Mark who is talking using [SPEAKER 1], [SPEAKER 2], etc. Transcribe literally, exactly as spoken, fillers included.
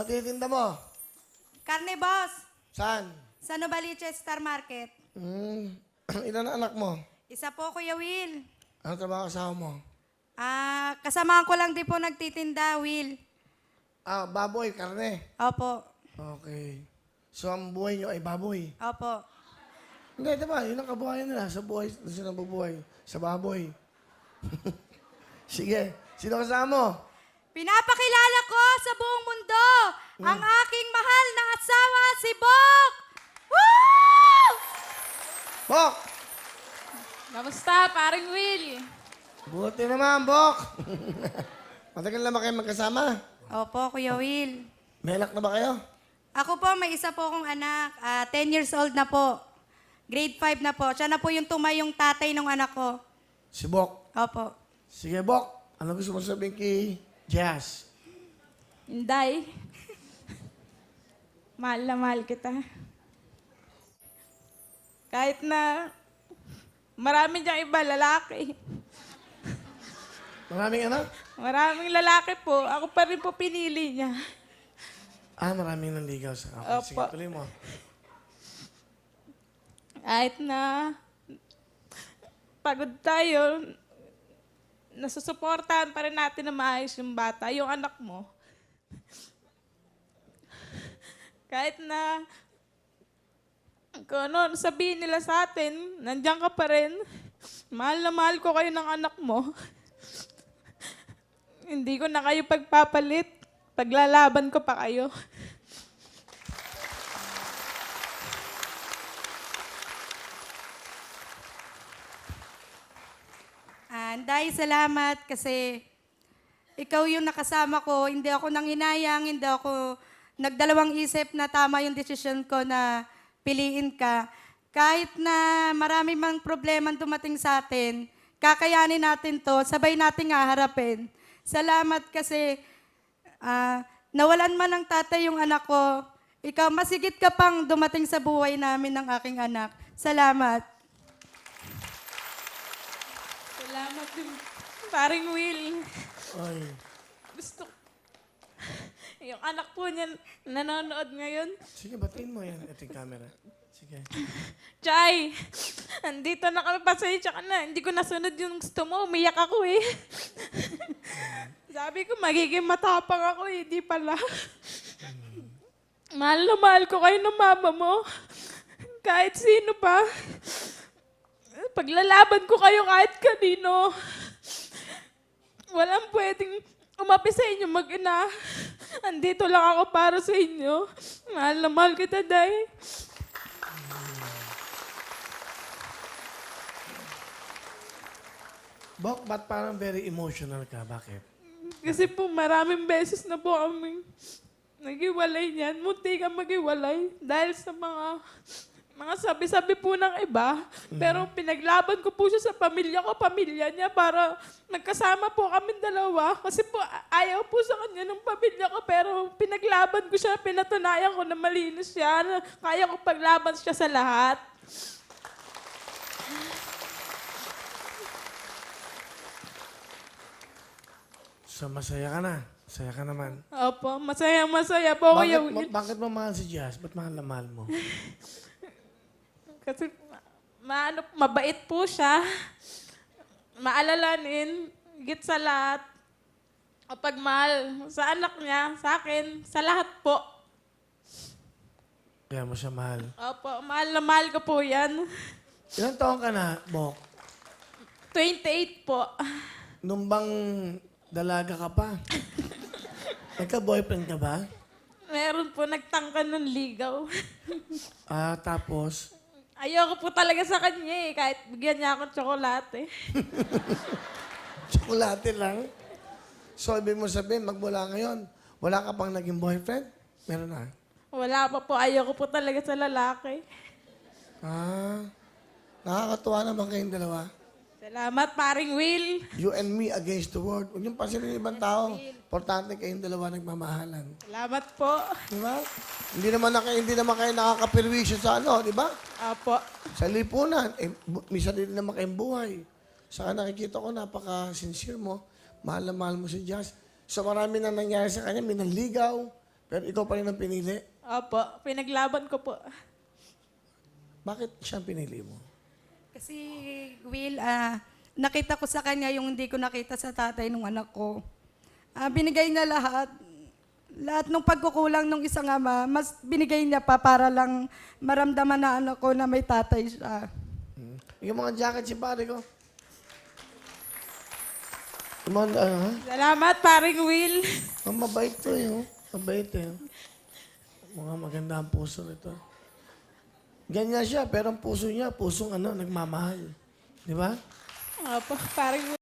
[SPEAKER 1] titinda mo?
[SPEAKER 2] Karne, boss.
[SPEAKER 1] Saan?
[SPEAKER 2] Sa Novaliches Star Market.
[SPEAKER 1] Hmm. Ilan na anak mo?
[SPEAKER 2] Isa po, Kuya Will.
[SPEAKER 1] Ano trabaho kasama mo?
[SPEAKER 2] Ah, kasamahan ko lang din po nagtitinda, Will.
[SPEAKER 1] Ah, baboy, karne.
[SPEAKER 2] Opo.
[SPEAKER 1] Okay. So, ang buhay nyo ay baboy.
[SPEAKER 2] Opo.
[SPEAKER 1] Hindi, diba? Yun ang kabuhayan nila. Sa buhay, doon sila nabubuhay. Sa baboy. Sige. Sino kasama mo?
[SPEAKER 2] Pinapakilala ko sa buong mundo ang aking mahal na asawa, si Bok! Woo!
[SPEAKER 1] Bok!
[SPEAKER 3] Kamusta, paring Will?
[SPEAKER 1] Buti naman, Bok! Matagal na ba kayo magkasama?
[SPEAKER 2] Opo, Kuya Will.
[SPEAKER 1] May anak na ba kayo?
[SPEAKER 2] Ako po, may isa po akong anak. ah, ten years old na po. Grade five na po. Siya na po yung tumayong tatay ng anak ko.
[SPEAKER 1] Si Bok.
[SPEAKER 2] Opo.
[SPEAKER 1] Sige, Bok. Ano gusto mo sabihin kay Jazz?
[SPEAKER 3] Inday. Mahal na mahal kita. Kahit na marami diyang iba lalaki.
[SPEAKER 1] Maraming anak?
[SPEAKER 3] Maraming lalaki po. Ako pa rin po pinili niya.
[SPEAKER 1] Ah, maraming nanligaw sa ako.
[SPEAKER 3] Opo.
[SPEAKER 1] Sige, tuloy mo.
[SPEAKER 3] Kahit na pagod tayo, nasusuportahan pa rin natin na maayos yung bata, yung anak mo. Kahit na kung ano sabihin nila sa atin, nandiyan ka pa rin. Mahal na mahal ko kayo ng anak mo. Hindi ko na kayo pagpapalit. Paglalaban ko pa kayo.
[SPEAKER 2] Anday, salamat kasi ikaw yung nakasama ko. Hindi ako nanghinayang, hindi ako nagdalawang isip na tama yung desisyon ko na piliin ka. Kahit na marami mang problema dumating sa atin, kakayanin natin to, sabay nating haharapin. Salamat kasi ah, nawalan man ng tatay yung anak ko. Ikaw, masigit ka pang dumating sa buhay namin ng aking anak. Salamat.
[SPEAKER 3] Salamat din, paring Will.
[SPEAKER 1] Ay.
[SPEAKER 3] Gusto yung anak po niya nanonood ngayon.
[SPEAKER 1] Sige, batiin mo yan. Ito yung camera. Sige.
[SPEAKER 3] Chay, andito na kami, pasensya ka na. Hindi ko nasunod yung gusto mo. Umiyak ako eh. Sabi ko, magiging matapang ako eh. Di pala. Mahal na mahal ko kayo ng mama mo. Kahit sino pa. Paglalaban ko kayo kahit kanino. Walang pwedeng umapi sa inyo mag-ina. Andito lang ako para sa inyo. Mahal na mahal kita, Day.
[SPEAKER 1] Bok, ba't parang very emotional ka? Bakit?
[SPEAKER 3] Kasi po maraming beses na po kami nag-iwalay niyan. Munti ka mag-iwalay dahil sa mga mga sabi-sabi po ng iba. Pero pinaglaban ko po siya sa pamilya ko, pamilya niya, para nagkasama po kami dalawa. Kasi po a- ayaw po sa kanya ng pamilya ko, pero pinaglaban ko siya, pinatunayan ko na malinis siya, na kaya ko paglaban siya sa lahat.
[SPEAKER 1] So, masaya ka na. Masaya ka naman.
[SPEAKER 3] Opo, masaya-masaya po, Kuya
[SPEAKER 1] Bakit,
[SPEAKER 3] Will.
[SPEAKER 1] ba- bakit mo mahal si Jazz? Ba't mahal na mahal mo?
[SPEAKER 3] Kasi ma- maano, mabait po siya. Maalalanin, higit sa lahat. Kapag mahal sa anak niya, sa akin, sa lahat po.
[SPEAKER 1] Kaya mo siya mahal.
[SPEAKER 3] Opo, mahal na mahal ko po yan.
[SPEAKER 1] Ilang taon ka na, Bok?
[SPEAKER 3] twenty-eight po.
[SPEAKER 1] Nung bang dalaga ka pa? Nagka-boyfriend ka ba?
[SPEAKER 3] Meron po nagtangka ng ligaw.
[SPEAKER 1] Ah, tapos,
[SPEAKER 3] Ayoko po talaga sa kanya eh, kahit bigyan niya akong tsokolate.
[SPEAKER 1] tsokolate lang. So, ibig mo sabihin, magmula ngayon, wala ka pang naging boyfriend? Meron na.
[SPEAKER 3] Wala pa po, ayoko po talaga sa lalaki.
[SPEAKER 1] Ah, nakakatuwa naman kayong dalawa.
[SPEAKER 3] Salamat, paring Will.
[SPEAKER 1] You and me against the world. Huwag yung pansinin ng ibang tao. Importante kayong dalawa nagmamahalan.
[SPEAKER 3] Salamat po.
[SPEAKER 1] Di ba? Hindi naman, na, hindi naman kayo nakakapirwisyo sa ano, di ba?
[SPEAKER 3] Apo.
[SPEAKER 1] Sa lipunan. Eh, bu- minsan din naman kayong buhay. Saka nakikita ko, napaka-sincere mo. Mahal na mahal mo si Jazz. So marami na nangyari sa kanya. May nanligaw, Pero ikaw pa rin ang pinili.
[SPEAKER 3] Opo, pinaglaban ko po.
[SPEAKER 1] Bakit siya ang pinili mo?
[SPEAKER 2] Kasi, Will, ah, nakita ko sa kanya yung hindi ko nakita sa tatay ng anak ko. Ah, binigay niya lahat. Lahat ng pagkukulang ng isang ama, mas binigay niya pa para lang maramdaman na anak ko na may tatay siya.
[SPEAKER 1] Hmm. Yung mga jacket si pare ko. Yung mga, ano, ha?
[SPEAKER 3] Salamat, paring Will.
[SPEAKER 1] Ang mabait to eh, oh. Mabait eh. Mga maganda ang puso nito. Ganyan siya, pero ang puso niya, pusong ano, nagmamahal. Di ba?
[SPEAKER 3] Opo, paring Will.